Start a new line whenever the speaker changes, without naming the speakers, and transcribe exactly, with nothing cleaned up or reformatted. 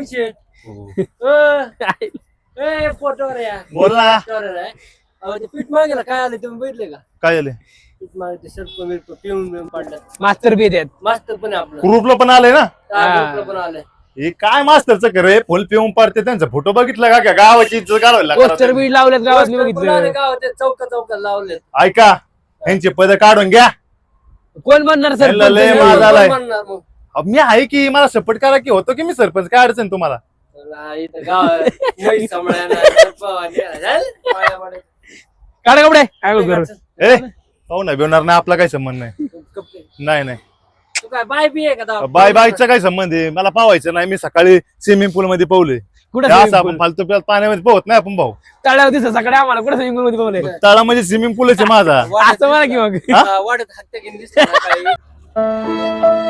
शेठ ए photo रे यार
बोल ना
अहो ते पीठ मागेला काय आलं तुम्ही बघितले का
काय झाले
पीठ मागे सर्प मिरप पिऊन पिऊन पडलं
मास्तर बी देत
मास्तर पण आहे आपलं
ग्रुपला पण आलंय ना
हा, ग्रुपला पण आलंय
हे काय मास्तरचं करे फुल पिऊन पाडते त्यांचा फोटो बघितला का काय गावाची इज्जत घालवायला
पोस्टर
लागला.
बी लावलेत गावात मी
पोस्टर पण आले
बघितलं
गावात चौका चौका लावले
ऐका यांचे पद काढून घ्या
कोण बनणार सर
त्यांना लय माज आलाय.
म्हणणार मग
अब मी आहे की मला सपोर्ट करा की होतो की मी सरपंच काय अडचण तुम्हाला
चला, इथं गाव म्हैस सांभाळायला, सर्प वाढायला, झालं? पाया पडायचं.
काढ कपडे काय करू
ए पाहू ना बेवणार नाही आपला काही संबंध नाही
कपडे.
नाही नाही
तू काय बाय बी आहे का दाव?
बाय बायचा काय संबंध आहे मला पावायचं नाही मी सकाळी स्विमिंग पूल मध्ये पावले
कुठं
असं
swimming
आपण
pool?
फालतू प्या- पाण्यामध्ये पोहत नाही आपण भाऊ
तळ्यावर दिसत सकाळी आम्हाला कुठे स्विमिंग पूल मध्ये पावले
तळा म्हणजे स्विमिंग पूलच आहे माझा
वाढत
असं म्हणा की मग
हा, वाढत हत्या घेऊन दिसते ना काही.